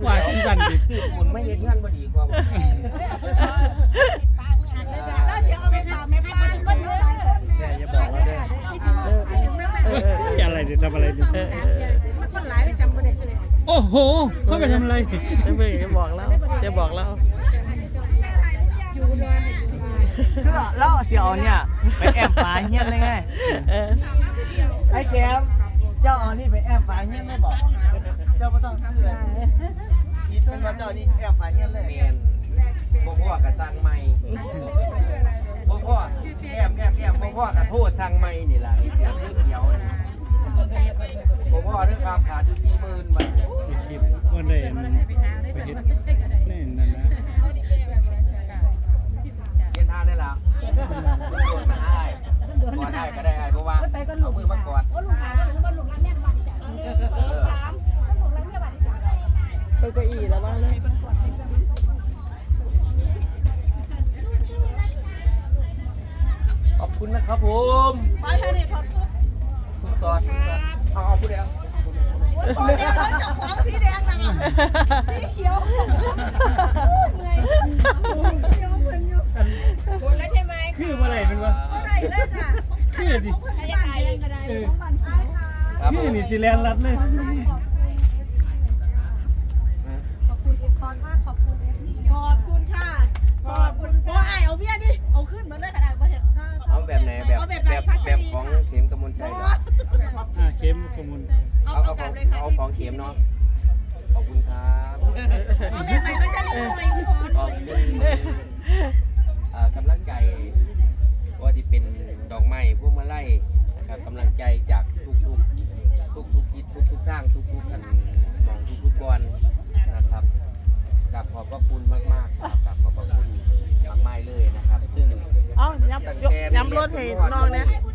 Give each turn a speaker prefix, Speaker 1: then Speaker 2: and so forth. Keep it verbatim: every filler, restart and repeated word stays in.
Speaker 1: กว่าที่สั่นดิ
Speaker 2: ซื้อปูนไม่เห็นเงื่อนบ่ดีกว่า
Speaker 3: แล้วเสียเอาไปฝากแม่ป้าคนเดียว
Speaker 2: แค่อย่าบอกว่าได้
Speaker 4: เออเออ
Speaker 1: อะไรจะทำอะไรดิ
Speaker 4: เออเออ
Speaker 5: คนหลายเลยจำไม่ได้เลย
Speaker 1: โอ้โหเขาไปทำอะไร
Speaker 4: เพิ่งจะบอกแล้วจะบอกแล้ว
Speaker 3: อยู่นอน
Speaker 6: คือแล้วเสียเอาเนี่ยไปแอบฝาเฮี้ยนเลยไง
Speaker 4: เออ
Speaker 6: ไอ้แก้มเจ้าเอานี่ไปแอบฝาเฮี้ยนไม่บอก เจ้าไม่ต้องซื้อยิดเป็นว่าเจ้านี่แอบฝาเฮี้ยนเลย
Speaker 2: แมนบ่พ่อกระสั่งใหม่บ่พ่อแอมแอมแอมบ่พ่อกระโทษสั่งใหม่นี่ล่ะเสียงเรื่องเดียวบ่พ่อเรื่องความขาดอยู่สี่หมื่นบาท
Speaker 1: คลิปวันใดไปเห็นนี่นั่นนะ
Speaker 2: เรียนทานได้แล้วโดนมาหาไอ้กอดได้ก็ได้ไอ้เพราะว่าเอามือมากอด
Speaker 5: ลุงหาว่าลุงว่าลุงรักแม่บ้านจ้ะ
Speaker 3: สาม
Speaker 5: ลุงรักแม่บ้านจ้ะ
Speaker 4: เก้าอี้แล้วบ้างเลย
Speaker 2: ขอบคุณนะครับผม
Speaker 3: ไปเธอเนี่ยถอดซุป
Speaker 2: คุณสอนเอาเอาผู้เดียว
Speaker 3: โอ้ยเดียวแล้วจับของสีแดงนะสีเขียวเหนื่อยเขียวเหมือนอยู่
Speaker 5: คุณแล้วใช่ไหม
Speaker 1: คือเมื่อไหร่เป็นวะ
Speaker 3: เท่าไหร่เลยจ้ะคือดิของบ้านแดงก็ได้ของบ้านไทยค่ะ
Speaker 2: ครับผ
Speaker 1: คือ
Speaker 2: ม
Speaker 1: นี่สิแลนรัดเลย
Speaker 3: ขอบคุณเอฟซอนมากขอบคุณขอบคุณค่ะขอบคุณโอ้ยเอาเบี้ยดิเอาขึ้นมาเลยขนาดประเทศ
Speaker 2: เอาแบบไหนแบบแบบแบบของเข็มกำมลชัยก่อน
Speaker 1: อ่าเข้มขมุน
Speaker 3: เอา
Speaker 2: เอา
Speaker 3: เอา
Speaker 2: เอา
Speaker 3: ก
Speaker 2: ข
Speaker 3: ลั
Speaker 2: อบ ง
Speaker 3: เลยค่ะ
Speaker 2: เอาของเข็มเนาะขอบคุณครับ
Speaker 3: เอาแบบไหนก็จะเล่นไปทุกคน
Speaker 2: ขอบคุณอ่ากำลังใจว่าที่เป็นดอกไม้พวกมาไล่นะครับกำลังใจจากทุกทุกทุกทุกทิศทุกทุกทางทุกทุกกันมองทุกทุกบอลนะครับกับขอบพระคุณมากมากๆกับขอบพระคุณมากมายเลยนะครับซึ่ง
Speaker 4: เอ้าย้ำยกย้ำรถให้น้องนะ
Speaker 3: คุณ